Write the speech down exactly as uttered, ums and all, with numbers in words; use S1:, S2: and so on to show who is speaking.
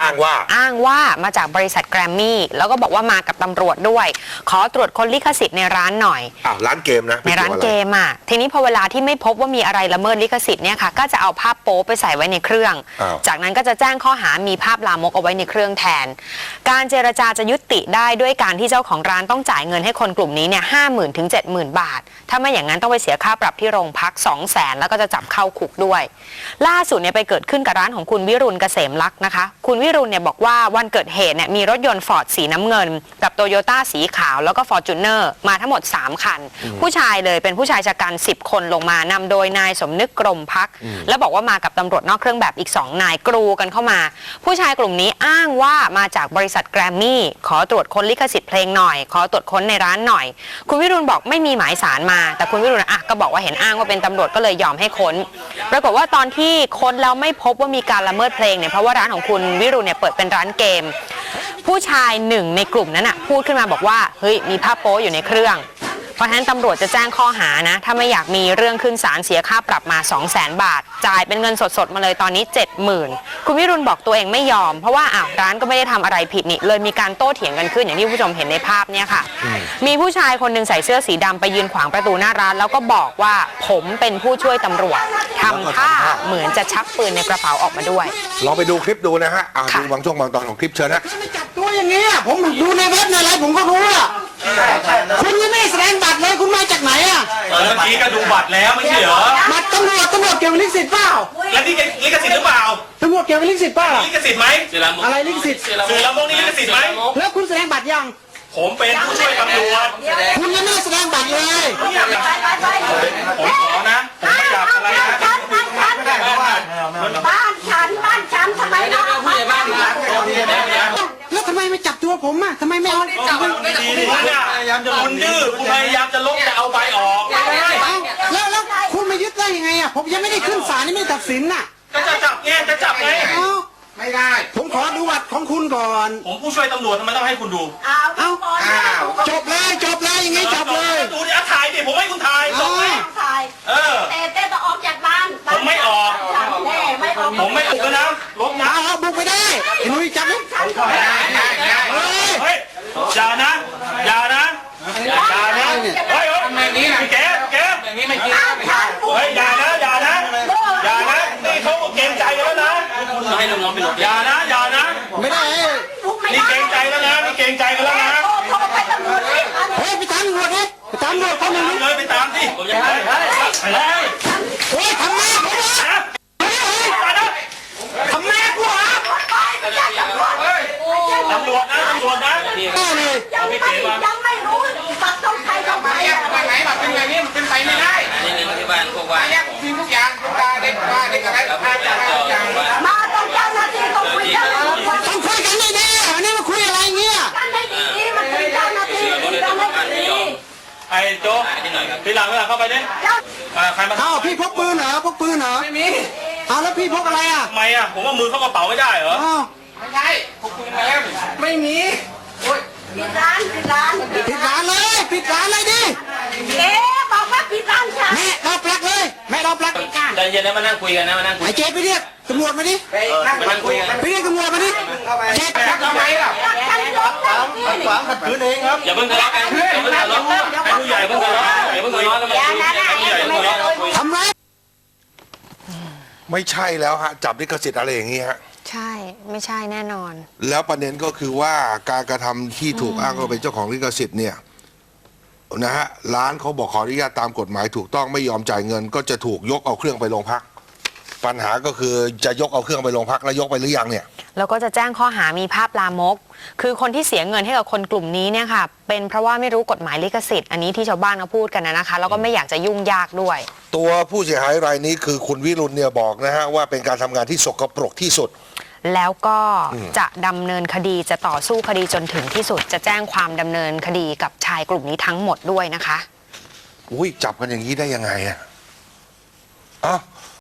S1: อ้างว่า
S2: อ้างว่ามาจากบริษัทแกรมมี่แล้วก็บอกว่ามากับตำรวจด้วยขอตรวจค้นลิขสิทธิ์ในร้านหน่อย
S1: อ้าวร้านเกมนะ
S2: ในร้านเกมอ่ะทีนี้พอเวลาที่ไม่พบว่ามีอะไรละเมิดลิขสิทธิ์เนี่ยค่ะก็จะเอาภาพโป๊ไปใส่ไว้ในเครื่องจากนั้นก็จะแจ้งข้อหามีภาพลามกเอาไว้ในเครื่องแทนการเจรจาจะยุติได้ด้วยการที่เจ้าของร้านต้องจ่ายเงินให้คนกลุ่มนี้เนี่ยห้าหมื่นถึงเจ็ดหมื่นบาทถ้าไม่อย่างนั้นต้องไปเสียค่าปรับที่โรงพักสองแสนแล้วก็จะจับเข้าคุกด้วยล่าสุดเนี่ยไปเกิดขึ้นกับร้านของคุณวิรุณเกษมลักษณ์นะคะคุณวิรุณเนี่ยบอกว่าวันเกิดเหตุเนี่ยมีรถยนต์ฟอร์ดสีน้ำเงินกับโตโยต้าสีขาวแล้วก็ฟอร์จูเนอร์มาทั้งหมดสามคันผู้ชายเลยเป็นผู้ชายชะกันสิบคนลงมานำโดยนายสมนึกกรมพักแล้วบอกว่ามากับตำรวจนอกเครื่องแบบอีกสองนายกรูกันเข้ามาผู้ชายกลุ่มนี้อ้างว่ามาจากบริษัทแกรมมี่ขอตรวจค้นลิขสิทธิ์เพลงหน่อยขอตรวจค้นในร้านหน่อยคุณวิรุณบอกไม่มีหมายสารมาแต่คุณวิรุณอ่ะก็บอกว่าเห็นอ้างว่าเป็นตำรวจก็เลยยอมให้ค้นปรากฏว่าตอนที่ค้นแล้วไม่พบว่ามีการละเมิดเพลงเนี่ยเพราะว่าร้านของคุณวิรุณเนี่ยเปิดเป็นร้านเกมผู้ชายหนึ่งในกลุ่มนั้นอ่ะพูดขึ้นมาบอกว่าเฮ้ยมีภาพโป๊อยู่ในเครื่องเพราะฉะนั้นตำรวจจะแจ้งข้อหานะถ้าไม่อยากมีเรื่องขึ้นศาลเสียค่าปรับมา สองแสน บาทจ่ายเป็นเงินสดๆมาเลยตอนนี้ เจ็ดหมื่น คุณวิรุณบอกตัวเองไม่ยอมเพราะว่าอ้าวร้านก็ไม่ได้ทำอะไรผิดนี่เลยมีการโต้เถียงกันขึ้นอย่างที่ผู้ชมเห็นในภาพเนี่ยค่ะมีผู้ชายคนหนึ่งใส่เสื้อสีดำไปยืนขวางประตูหน้าร้านแล้วก็บอกว่าผมเป็นผู้ช่วยตำรวจทำท่าเหมือนจะชักปืนในกระเป๋าออกมาด้วย
S1: ลองไปดูคลิปดูนะฮะอ่าดูบางช่วงบางตอนของคลิปเชิญนะ
S3: ไม่จับตัวอย่างเงี้ยผมดูในเว็บในอะไรผมก็รู้อ่ะคุณยังไม่แสดงบัตรเลยคุณมาจากไหนอ่ะ
S4: เมื่อกี้ก็ดูบัตรแล้วไม่ใช่เหรอ
S3: บัตรตำรวจตำรวจเกี่ยวกับลิขสิทธิ์เปล่า
S4: แล้วนี่ลิขสิทธิ์หรือเปล่า
S3: ตำรวจเกี่ยวกับลิขสิทธิ์เปล่า
S4: ลิขสิทธิ์ไหม
S3: อะไรลิขสิทธิ์
S4: สื่อละมกนี่ลิขสิทธิ์ไหม
S3: แล้วคุณแสดงบัตรยัง
S4: ผมเป็นผู้ช่วยตำรวจ
S3: คุณยังไม่แสดงบัตรเลย
S4: ผมขอนะผมไม่อยากอะไรนะ
S5: บ้านฉันบ้านฉันทำไมนะบ้านฉัน
S3: แล้วทำไมไม่จับตัวผมอ่ะทำไมไม่เอา
S4: ดีดีดีคุณดื้อคุณพยายามจะลบจะเอาใบออก
S3: แล้วแล้วคุณมายึดได้ยังไงอ่ะผมยังไม่ได้ขึ้นศาลนี่ไม่ตัดสินน่ะ
S4: ก็จะจับไงจะจับไง
S3: ไม่ได้ผมขอดูบัตรของคุณก่อน
S4: ผมผู้ช่วยตำรวจทำไมต้องให้คุณดู
S5: เอา
S3: จบเลยจบเลยอย่างงี้จบเลย
S4: ดูดิถ่ายดิผมให้คุณถ่ายจบเลย
S5: เออเต้เต้ต้องออกจากบ้าน
S4: ผมไม่ออก
S5: ไม่ออก
S4: ผมไม่ออกนะลบนะ
S3: เอาบุกไปได้ไอ้นุ้ยจับเลย
S4: เฮ้ยอย่านะอย่านะอย่านะเฮ้ยทำไมนี้นะแกแกแบบนี้ไม่กินเฮ้ยอย่านะอย่านะอย่านะนี่เขาเกรงใจกันแล้วนะให้น้องๆไปหลบอย่านะอย่านะ
S3: ไม่ได้
S4: นี่เกรงใจแล้วนะนี่เกรงใจกันแล้วนะ
S3: เฮ้ยไปตามตำรวจเลยไปตามตำรวจคนหนึ่ง
S4: เลยไปตามที่ผมจะไปไปเลย
S3: เฮ้ยทำแม่กูนะทำแม่กูเหรอ
S4: ตำรวจนะตำรวจนะ
S3: ได้เลย
S5: ยังไม่ยังไม่รู้บัตรต้องใครต้องใคร
S4: บัตรไหนบัตรเป็นแบบนี้เป็นไปไม่ได้
S6: นี่นี่ที่บ้านพวกว่า
S4: เนี่ยทีมทุกอย่างทุกการเด็กมาเด็กอะไรทุกอย่าง
S5: มาต้องเจ้าหน้าที่ต้องคุยกัน
S3: ต้องคุยกันได้ดีอันนี้มาคุยอะไรเงี้ย
S5: กันได้ดีมันคุยเจ้าหน้าที่กันได้ดี
S4: ไอ้โจ้พี่หลังพี่หลังเข้าไปดิใครมา
S3: อ้าวพี่พกปืนเหรอพกปืนเหรอ
S4: ไม่มี
S3: อ้าวแล้วพี่พกอะไรอ่ะ
S4: ทำไมอ่ะผมว่ามือเข้ากระเป๋าไม่ได้เหรอ
S3: ไม่ใช่
S4: พกปืนมาแล้วไม่มีโอ้ย
S5: ปิดร้านปิดร้าน
S3: ปิดร้านเลยปิดร้านเลยดิ
S5: เอ๊ะบอกว่าปิดร้านฉัน
S3: แม่เราปลักเลยแม่เราปลัก
S6: ใจเย็นนะมานั่งคุยกันนะมานั่งคุย
S3: ไอ้เจ๊ไปเรียกตำรวจมาดิ
S6: ไปนั่งคุยกัน
S3: ไปเรียกตำรวจมาดิ
S4: เจ๊ทำไมล่ะ
S3: ขวางขัดขืนเองครับ
S6: อย่าเพิ่งทะเลาะกันอย่าเพิ่งทะเลาะให้ผู้ใหญ่เพิ่งทะเลาะอย่าเพิ่งทะเลาะแล้วมาคุยผู้ใหญ่เพิ่งทะเลาะคุย
S3: ทำไร
S1: ไม่ใช่แล้วฮะจับลิขสิทธิ์อะไรอย่างนี้ฮะ
S2: ใช่ไม่ใช่แน่นอน
S1: แล้วประเด็นก็คือว่าการกระทำที่ถูกอ้างว่าเป็นเจ้าของลิขสิทธิ์เนี่ยนะฮะร้านเขาบอกขออนุญาตตามกฎหมายถูกต้องไม่ยอมจ่ายเงินก็จะถูกยกเอาเครื่องไปโรงพักปัญหาก็คือจะยกเอาเครื่องไปโรงพักแล้วยกไปหรือยังเนี่ย
S2: แล้วก็จะแจ้งข้อหามีภาพลามกคือคนที่เสียเงินให้กับคนกลุ่มนี้เนี่ยค่ะเป็นเพราะว่าไม่รู้กฎหมายลิขสิทธิ์อันนี้ที่ชาวบ้านเขาพูดกันนะคะแล้วก็ไม่อยากจะยุ่งยากด้วย
S1: ตัวผู้เสียหายรายนี้คือคุณวิรุณเนี่ยบอกนะฮะว่าเป็นการทำงานที่สกปรกที่สุด
S2: แล้วก็จะดำเนินคดีจะต่อสู้คดีจนถึงที่สุดจะแจ้งความดำเนินคดีกับชายกลุ่มนี้ทั้งหมดด้วยนะคะ
S1: อุ้ยจับกันอย่างนี้ได้ยังไงอ่ะอ้าว